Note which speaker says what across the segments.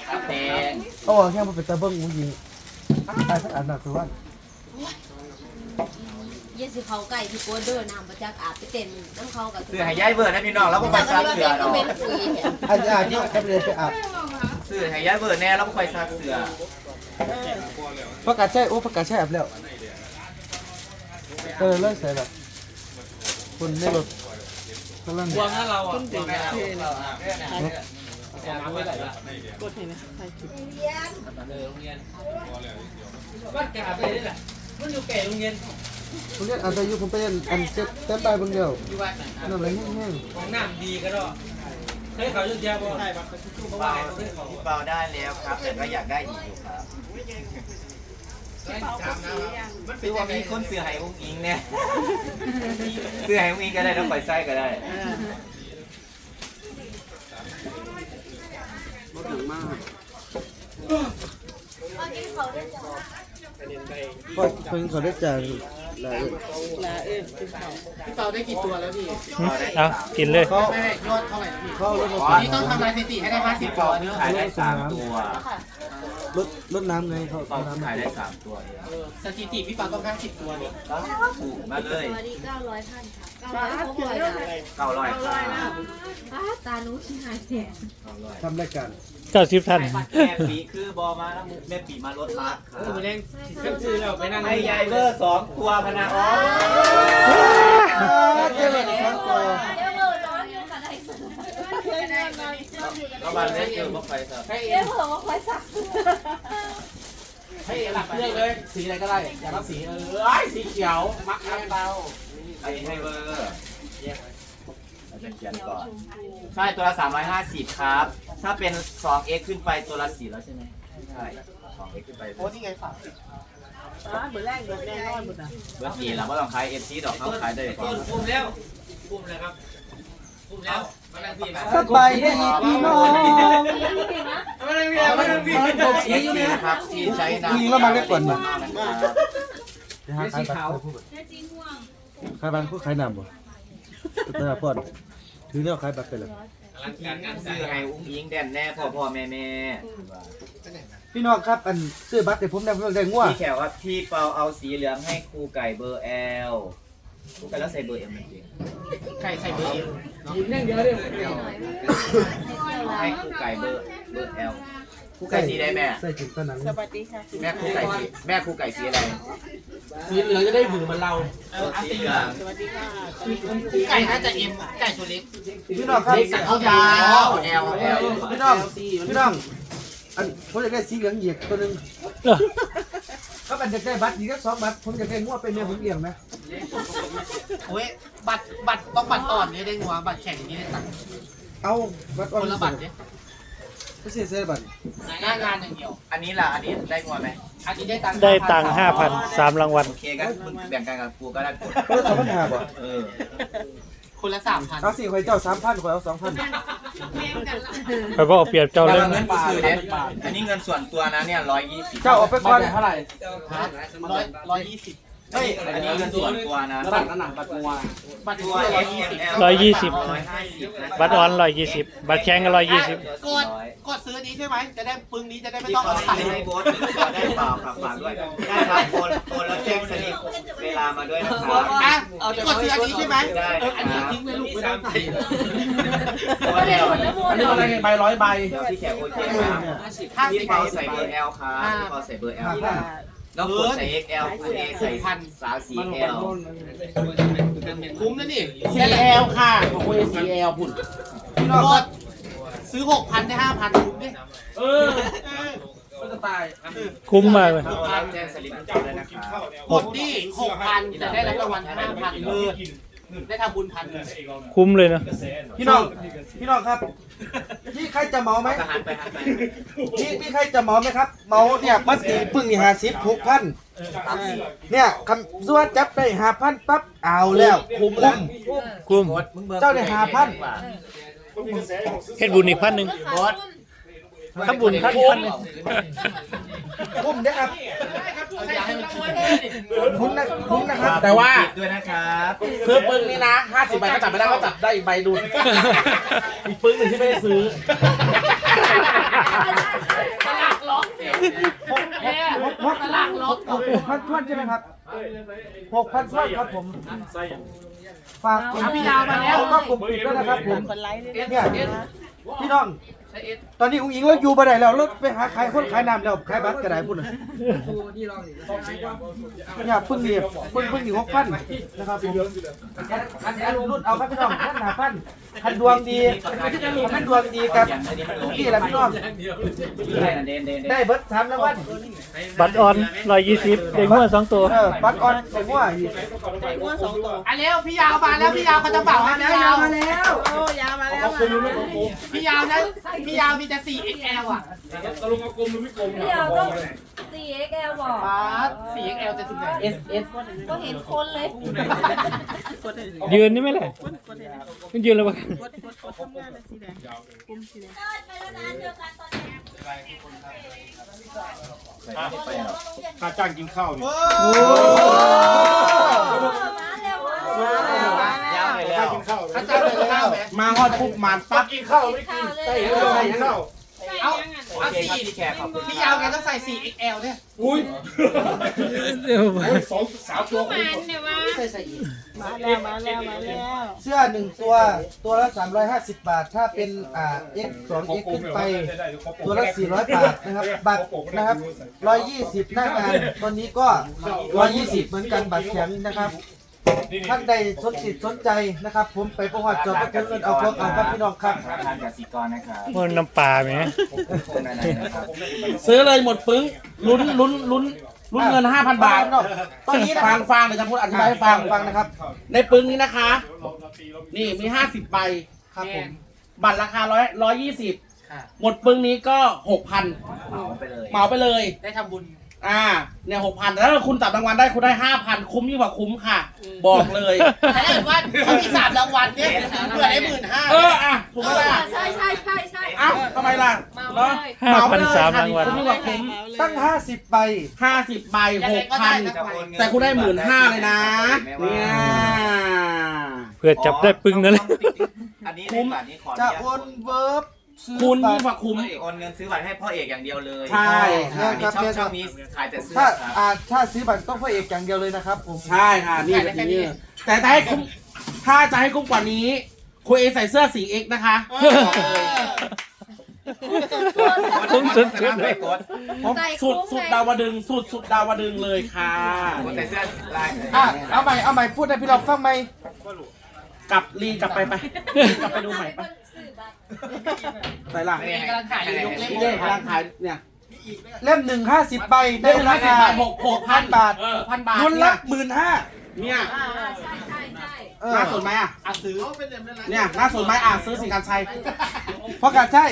Speaker 1: แดง
Speaker 2: เอาแค่มาเป็นตะเบิ้งมึงยิงตายสักอันหนักตัวว่า
Speaker 3: เยสิเขาไก่ที่โกเดอร์น้ำประจักอาบไปเต้นน้ำเขากับ
Speaker 1: เสื้อหายายเบิร์ดนะพี่น้องแล้วก็ไปซักเสื้อเนาะ
Speaker 2: อันนี้ที่จะไปเรียนไปอาบ
Speaker 1: เสื้อหายายเบิร์ดแน่แล้วก็ไปซักเสื้อ
Speaker 2: ประกาศใช่โอ้ประกาศใช่อาบแล้วเลิกใส่แบบคนในรถกำลัง
Speaker 1: วางให้เราอ่ะ
Speaker 4: ขึ้นถึงเทน
Speaker 1: กดเห็นไหมใช่คือโรงเรียนบ้านกาไปนี่แหละมันอยู่แก่โรงเรียน
Speaker 2: ผมเรียนอันอายุผมไปเรียนอันเจ็บเต้นไปบางเดียว
Speaker 1: อยู่บ้านไหน
Speaker 2: นั่นอะไรแห้ง
Speaker 1: ของน้ำดีก็ได้เคยเขายุดยาบ่ใช่บัตรชูเบาเบาได้แล้วครับแต่ก็อยากได้อีกอยู่ครับคือว่ามีคนเสือหายอุ้งอิงเนี่ยเสือหายอุ้งอิงก็ได้ต้องปล่อยไส้ก็ได้
Speaker 2: ก็เพิ่งเขาได้จ่ายหลาย
Speaker 5: พี่เปาได้กี่ตัวแล้วพี่
Speaker 6: เอากินเลย
Speaker 2: เขา
Speaker 5: ไม่ยอดเท่าไหร่พี่
Speaker 2: เขารถ
Speaker 5: นี่ต้องทำลายสถิติให้ได้50ตัวเนอะ
Speaker 1: ขายได้3ตัว
Speaker 2: รถน้ำไงเขา
Speaker 1: ตอน
Speaker 2: น้ำ
Speaker 1: ขายได้3ตัว
Speaker 5: สถิติพี่เปาต้อง50ตัวเนี่ย
Speaker 1: ถูกมาเลย
Speaker 3: สวัสดี900ท่านค่ะ900 600
Speaker 1: 900
Speaker 3: ตารู้ที่หายแสน
Speaker 2: ทำรายการ
Speaker 6: 90 ท่าน
Speaker 1: แม่ปีคือบอมาแล้วแม่ปีมารถบัสครับ
Speaker 5: เล่นขึ้นชื่อเราไปนั่ง
Speaker 1: ให้ยายเบอร์2ตัวพนะอ๋อ
Speaker 2: เจ้าเลยครับตัว
Speaker 3: เดี๋ยวเบอร์ร้อนอยู่ค่ะได้สุด
Speaker 1: แล้วมาเล่นเกี่ยวกับไฟครับ
Speaker 3: เดี๋ยวเผื่อว่าคอยสัก
Speaker 5: ให้หลักเลือกเลยสีอะไรก็ได้อย่ารับสีสีเขียวมักน้ำเตา
Speaker 1: อันนี้ให้เบอร์เราจะเขียนก่อนใช่ตัวละ350ครับถ้าเป็น 2x ขึ้นไปตัวละ4แล้วใช่ไหมใช่ 2x ขึ้นไป
Speaker 5: โอ้ที่ไงฝาก
Speaker 4: เบอร์แรกเบอร์แน่นอนหมดอ่ะ
Speaker 1: เบอร์4เราก็ต้องขาย FC ดอกเขาขายได้ก่อน
Speaker 5: ปุ่มแล้วปุ่มเลยครับปุ่มแล้วมาแล้วพี่
Speaker 2: สบายดีพี่น้อง
Speaker 5: มาแล้วพี่มาแล้วพี่
Speaker 1: สีอยู่นะครับที่ใช้น้ำ
Speaker 2: ยิงแล้วมาได้ก่อนมา
Speaker 1: นะครับ
Speaker 2: สีขาวขายบัตรผู้ขายน้ำบ่ตลาดพอดถือเนี่ยขายบัตรไปเลย
Speaker 1: ซื้อให้อุ้งอิงแดนแน่พ่อแม่
Speaker 2: พี่น้องครับอันซื้อบัตรแต่ผมได้ผมได้ง่ว
Speaker 1: พี่แขกว่าพี่เปาเอาสีเหลืองให้ครูไก่เบอร์ L ครูไก่แล้วใส่เบอร์ M จริง
Speaker 5: ใครใส่เบอร์เอ็ม
Speaker 4: ยิ้มแน่เดียวเลย
Speaker 1: ให้ครูไก่เบอร์ L ครูไก่สีใดแม่
Speaker 2: ใส่ถึงตะหนัง
Speaker 4: สวัสดีค่ะ
Speaker 1: แม่ครูไก่สีอะไร
Speaker 5: สีเหลืองจะได้หือเหมือนเรา
Speaker 1: สีเหลือง
Speaker 4: สวัสดีค่ะ
Speaker 5: ไก่น่าจะเอ็มไก่ตัวเล็ก
Speaker 2: พี่น้องครับ
Speaker 1: เขายาว L
Speaker 2: พี่น้องอันผมอยากได้สีเหลืองเหยียดตัวนึงก็เป็นจะได้บัตรอีกสัก2 บัตรผมอยากได้ง่วเป็นเนี่ยผมเลี้ยงนะ
Speaker 5: โอ้ยบัตรต้องบัตรอ่อนเนี่ยได้งัวบัตรแข็งนี่ได้ตังค์
Speaker 2: เอาบัตร
Speaker 5: คนละบัตรเนี่ย
Speaker 2: ไม่ใช่เสื้อบัตร
Speaker 5: หน้างานอย่างเดียว
Speaker 1: อันนี้ล่ะอันนี้ได้งวไหม
Speaker 5: อันนี้ได้ตังค์
Speaker 6: ได้ตังค์ 5,000 3 รางวัล
Speaker 1: โอเคกันมึงแบ่งกันกับครูก็ได้
Speaker 2: ก็ต้อง2,500บ่
Speaker 5: คนละ3,000
Speaker 2: เอาสิข่อยเจ้า3,000ข่อยเอา2,000
Speaker 6: ไปบอกเปรียบเจ้า
Speaker 1: เรา
Speaker 6: เรื่อง
Speaker 1: เงินกูซื้อเนี่ยอันนี้เงินส่วนตัวนะเนี่ย120
Speaker 2: เจ้าเอาไปก่อน
Speaker 5: เท่าไหร่120
Speaker 1: เฮ้ยอันนี้เงินส่วนตัวนะ
Speaker 5: บัตรหนังบัตรงัวบัตร
Speaker 1: ตั
Speaker 5: งั
Speaker 1: ว
Speaker 5: ว
Speaker 1: S M L
Speaker 6: บัตรออน120 บัตรแข็งก็120
Speaker 5: กดซื้อนี้ใช่ไหมจะได้ปึ้งนี้จะได้ไม่ต้องเอาใส่
Speaker 1: ให้โบสได้เปล่าครับฝากด้วยได้ครับโอนแล้วแจ้งสลิปเวลามาด้วยนะครับ
Speaker 5: อ่ะกดซื้ออันนี้ใช่ไหมอันนี้ทิ้งไว้ลูกไม่ต้องใส่
Speaker 1: ตัวเดียว
Speaker 5: อันนี้อะไรใบ100 ใบ
Speaker 1: เดี๋ยวพี่แขกโอเคครับพี่เปาใส่เบอร์ L ครับพี่เปาใส่เบอร์ L แล้วกดใส่ XL คุณเอใส่34L
Speaker 5: คุ้มนะนี่ CL ค่ะของคุณ CL พุ่นพี่น้องกดซื้อ 6,000 ได้ 5,000 คุ้มดิก็จะตาย
Speaker 6: คุ้มมากเลย
Speaker 1: แจ้งสลิปให้เจ้าด้วยนะครับ
Speaker 5: กดดิ 6,000 แต่ได้รับรางวัล 5,000เลยได้ทำบุญ1,000
Speaker 6: คุ้มเลยนะ
Speaker 2: พี่น้องครับพี่ใครจะเหมาไหม
Speaker 1: ก็หันไป
Speaker 2: พี่ใครจะเหมาไหมครับเหมาเนี่ยมัดตีปึ้งนี่6,000เนี่ยคำส่วนจับได้5,000ปั๊บเอาแล้วคุ้ม
Speaker 6: คุ้ม
Speaker 2: เจ้าได้5,000
Speaker 6: เฮ็ดบุญอีก1,000ถ้าบุญ1,000
Speaker 2: คุ้มเด้อครับคุ้มนะครับ
Speaker 5: แต่ว่า
Speaker 1: ด้วยนะครับ
Speaker 5: ซื้อปึ้งนี่นะ 50 ใบก็จับไม่ได้ก็จับได้อีกใบดุลอีกปึ้งหนึ่งที่ไม่ได้ซื้อ
Speaker 2: 6,000ท่วนใช่ไหมครับ6,000ท่วนครับผมฝากพี่ยาวมาแล้วก็กลุ่มปิดด้วยนะครับผมเนี่ยพี่น้องตอนนี้อุ้งอิงเราอยู่บ่ได้แล้วเราไปหาขายคนขายน้ำแล้วขายบัตรก็ได้พุ่นน่ะเนี่ยเพิ่งนี่6,000นะครับผมอันรุ่นเอาครับพี่น้อง5,000คันดวงดีคันดวงดีครับนี่แหละพี่น้องได้เบิด3รางวัล
Speaker 6: บัตรออน120เด็กมั่ว2ตัว
Speaker 2: บัตรออนใส่หัวอีก
Speaker 5: อันเร็วพี่ยาวมาแล้วพี่ยาวเขาจะเป่าให้พี่ยาวมาแล้ว
Speaker 4: โอ้ยาวมาแล้ว
Speaker 5: พี่ยาวนะพี่ยาวมีแต่ 4XL อ่ะ
Speaker 3: พี่ยาวต้อง 4XL บอก
Speaker 5: 4XL จะถึงไหน
Speaker 1: SS
Speaker 3: ก็เห็นคนเลย
Speaker 6: ยืนนี่ไหมล่ะมันยืนแล้วปะ
Speaker 7: ค่าจ้างกินข้าวนี่
Speaker 6: โอ้
Speaker 3: มาเร็วมา
Speaker 1: ยาวเลยแล้
Speaker 7: ค่าว กินข้าว
Speaker 5: อาจารย์เลยข้าวไหม
Speaker 2: มาฮอดปุ๊บมาปั๊บ
Speaker 7: กินข้าวไม่กิน
Speaker 3: เลย
Speaker 7: กินข้าว
Speaker 5: เอา
Speaker 1: โอเคครับพี่แขกขอบคุณ
Speaker 5: พี่ยาวแกต้องใส่ 4XL เนี่ย
Speaker 7: อุ้ย
Speaker 6: เดี๋ยว
Speaker 7: 2-3 ตัวคุณ
Speaker 4: มาแล้วมาแล้วมาแล้ว
Speaker 2: เสื้อ1ตัวละ350 บาทถ้าเป็นX 2X ขึ้นไปตัวละ400 บาทนะครับบัตรนะครับ120หน้างานตอนนี้ก็120เหมือนกันบัตรแข็งนะครับท่านใดสนใจนะครับผมไปประวัติจอดก็เงินเอาพวกเอาครับพี่น้องครับ
Speaker 1: ธนาคารกสิกรนะครับ
Speaker 6: มันน้ำปลาไหม
Speaker 1: คนอะไรนะครับ
Speaker 5: ซื้อเลยหมดปึ้งลุ้นเงิน 5,000 บาท
Speaker 2: ตอนนี้นะครับ
Speaker 5: ฟังเดี๋ยวจะพูดอธิบายให้ฟัง
Speaker 2: นะครับ
Speaker 5: ในปึ้งนี้นะคะ นี่มี 50 ใบ
Speaker 2: ครับผม
Speaker 5: บัตรราคา120หมดปึ้งนี้ก็ 6,000
Speaker 1: เหมาไปเลย
Speaker 5: เหมาไปเลย ได้ทำบุญเนี่ย 6,000แล้วถ้าคุณจับรางวัลได้คุณได้ 5,000 คุ้มยิ่งกว่าคุ้มค่ะ บอกเลยแต่ถ้าเกิดว่าเขามี3รางวัลเนี่ยเผื่อได้15,000ถูกไหมล่ะ
Speaker 3: ใช่
Speaker 5: อ้าวทำไมล่ะเนาะ
Speaker 6: 5,300รางวัล
Speaker 5: คุ้มยิ่งกว่าคุ้ม
Speaker 2: ตั้ง50 ใบ
Speaker 5: 50 ใบ 6,000 แต่คุณได้15,000เลยนะเนี่ย
Speaker 6: เพื่อจับได้ปึ้งนั่นเลย
Speaker 1: อันนี้ในบัตรนี้ขอ
Speaker 2: จะโอนเวิร์บซื้อ
Speaker 5: คุณ
Speaker 2: บั
Speaker 5: ยิ่
Speaker 2: ต
Speaker 5: ง
Speaker 2: ร
Speaker 5: กว่าคุ้ม
Speaker 1: โอนเงินซื้อบัตรให้พ่อเอกอย่างเดียวเลย
Speaker 5: ใช่
Speaker 1: อันนี้ช่องนี้ขายแต่เสื้อ
Speaker 2: ถ้า
Speaker 1: ครับ
Speaker 2: ถ้าซื้อบัตรต้องพระเอกอย่างเดียวเลยนะครับผม
Speaker 5: ใช่ค่ะนี่แบบนี้แต่ถ้าให้คุ้มถ้าจะให้คุ้มกว่านี้คุณเอใส่เสื้อ 4X นะคะ
Speaker 6: คุ้มสุด
Speaker 1: ไม่กด
Speaker 5: สุดดาวดึงสุดดาวดึงเลยค่ะ
Speaker 1: กดใส่เสื้อลาย
Speaker 2: เอาใหม่พูดให้พี่เราฟังไหม
Speaker 5: กลับไปดูใหม่ปะใส่หลัง
Speaker 1: นี่กำลังขายอยู่ยกเล่
Speaker 5: นี่เลยกำลังขายเนี่ย
Speaker 2: เล่ม1 50 ใบได้ราคา 6,000 บาท
Speaker 5: 6,000 บาท
Speaker 2: รุ่นละ 15,000
Speaker 5: เนี่ย
Speaker 3: ใช่
Speaker 5: น่าสนไหมอ่ะซื้อเนี่ยน่าสนไหมซื้อสิการชัย
Speaker 2: เพราะการใช่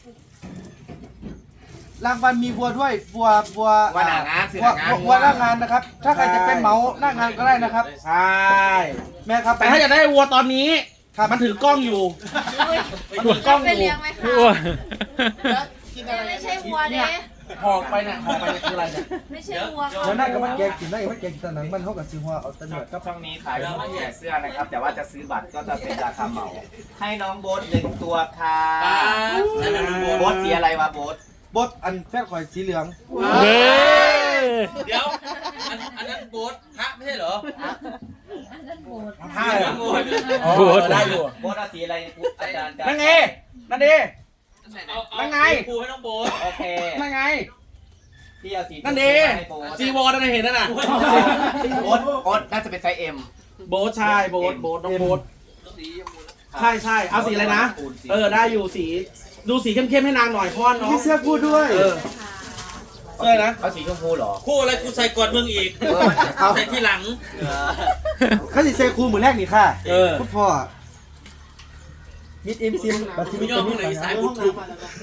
Speaker 2: รางวัลมีบัวด้วยบัว
Speaker 1: ว่าหนางานซื้อหนางาน
Speaker 2: บัวหน้างานนะครับ ถ้าใครจะเป็นเหมาหน้างานก็ได้นะครับ
Speaker 5: ใช่
Speaker 2: แม่ครับ
Speaker 5: แต่ถ้าอยากได้วัวตอนนี้มันถือกล้องอยู่มันถือกล้อง
Speaker 3: ไป
Speaker 5: อยู่
Speaker 3: เลี้ยงไหมคะ
Speaker 6: อ้วน
Speaker 3: ไม่ใช่วัวเด้
Speaker 5: หอกไปเนี่ยคืออะไรเนี่ย
Speaker 3: ไม่ใช่วัว
Speaker 2: เดี๋ยวนั่นก็มาแกงกินได้มาแกงกินตะหนังมันเขากับซื้อหัวเอาตะเนือดครับ
Speaker 1: ช่องนี้ขายแต่เสื้อนะครับ แต่ว่าจะซื้อบัตรก็จะเป็นราคาเหมา ให้น้องโบ๊ท1 ตัวค่ะโบ๊ทสีอะไรวะโบ๊ท
Speaker 2: บดอันแฟนข่อยสีเหลือง
Speaker 6: เด้
Speaker 5: เดี๋ยวอันนั้นโบ๊ทพระไม่ใช่เหรอ
Speaker 1: ผ้าโบ๊ท
Speaker 6: โบ๊ท
Speaker 5: ได้อยู่
Speaker 1: โบ๊ทสีอะไรอาจารย์
Speaker 5: นั่นไงนั่นดินั่นไง
Speaker 1: ครูให้น้องโบ๊ทโอเค
Speaker 5: นั่นไง
Speaker 1: พี่เอาสี
Speaker 5: นั่นดิจีวอนั่นเห็นนั่นน่ะ
Speaker 1: โบ๊ทน่าจะเป็นไซส์ M
Speaker 5: โบ๊ทใช่โบ๊ทน้องโบ๊ทใช่เอาสีอะไรนะได้อยู่สีดูสีเข้มๆให้นางหน่อยพ่อน้อง
Speaker 2: มีเสื้อคู่ด้วย
Speaker 5: เสื้อนะ
Speaker 1: เอาสีชมพูเหรอ
Speaker 8: คู่อะไรกูใส่ก่อนมึงอีก
Speaker 2: เอา
Speaker 8: ใส่ที่หลัง
Speaker 2: เขาสิเซคูมือแรกนี่ค่ะ
Speaker 5: เออ
Speaker 2: คุณพ่อมิดอิมซิมบัตรที่มิด
Speaker 8: ย่อ
Speaker 2: จะ
Speaker 8: ม
Speaker 2: มี
Speaker 8: ไหน
Speaker 2: หลาย
Speaker 8: สายบุญทุก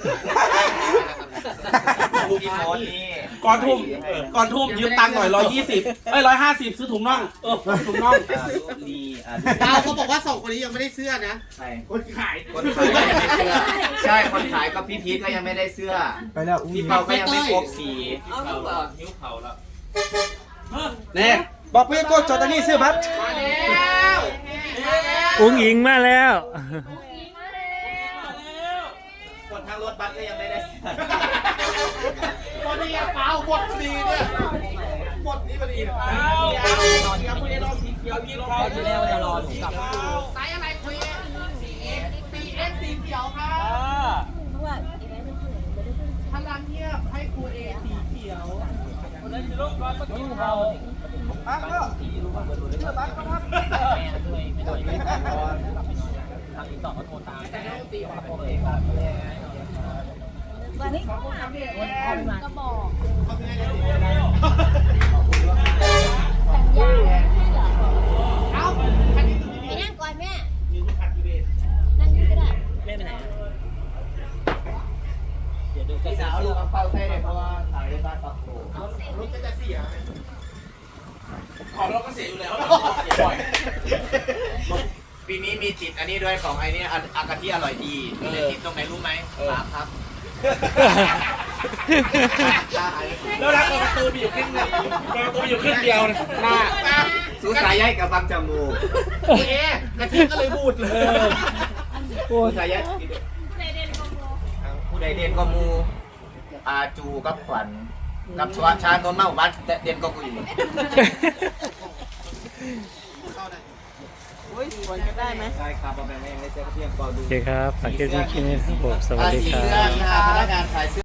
Speaker 1: พี่โบ๊ทนี่
Speaker 5: ก่อนทุ่มยืมตังค์หน่อย120 150ซื้อถุงน่องถุงน่อง
Speaker 1: นี่
Speaker 5: ดาวเขาบอกว่า2คนนี้ยังไม่ได้เสื้อนะ
Speaker 1: ใช่คนขายก็ยังไม่ได้เสื้อใช่คนขายก็พี่พีทก็ยังไม่ได้เสื้อ
Speaker 2: ไปแล้วอุ้ง
Speaker 1: พี่เปาก็ยังไม่ครบสี
Speaker 8: นิ้วเข่าแล้ว
Speaker 5: เนี่ย
Speaker 2: บอกพี่โก้จอตานี่ซื้อบัตร
Speaker 5: มาแล้ว
Speaker 6: อุ้งอิงมาแล้ว
Speaker 1: คนทางรถบัสก็ยังไม่ได้เสื้อ
Speaker 5: ตอนนี้เปล่าหมดสีเนี่ยหมดนี่พอดีนะ
Speaker 1: ที่แล้วจะรอหนูกลับ
Speaker 5: ไซส์อะไรคุย 4X สีเขียวค่ะ
Speaker 3: เพราะว่าอีเวนต์มันถึงไม่ได้ขึ้น
Speaker 5: พลังเงียบให้ครูเอสีเขียว
Speaker 2: บักก็เชื่อบักก็ครับ
Speaker 3: วันนี้เขามาก็บอกสัญญาให้เหรอ
Speaker 5: เอ้าคันนี้คือ
Speaker 3: ไปนั่งก่อนแม่
Speaker 5: มีลูกคันอีเวนต์
Speaker 3: นั่งนี่ก็ได้
Speaker 1: พี่สาวลูกเอาเป้าใส่เลยเพราะว่าทางเล่นบ้านปักโข
Speaker 5: รถจะเสียของเราก็เสียอยู่แล้วเสียบ่อย
Speaker 1: ปีนี้มีติดอันนี้ด้วยของไอ้นี่อากาที่อร่อยดีเลยติดตรงไหนรู้ไหมฝาครับ
Speaker 5: แล้วรักกับประตูมีอยู่ครึ่งเดียวประตูมีอยู่ครึ่งเดียวนะหน้า
Speaker 1: สูสายใยกับบังจมูก
Speaker 5: เอ๊ะกะทิก็เลยบูดเลย
Speaker 1: สูสายใยผู้ใดเด่นก็มูอาจูกับขวัญกับชานนท์มาหมู่บ้านเด่นก็กูอยู่
Speaker 4: ได้ไหม
Speaker 1: ใช่ครับเอาไปไม่เซ็ตเพียงก็ดู
Speaker 6: โอเคครับฝากคลิปนี้นะครับผมสวัสดี
Speaker 1: สี
Speaker 6: ครั
Speaker 1: เสื้อบ มีพนักงานขายเสื้อ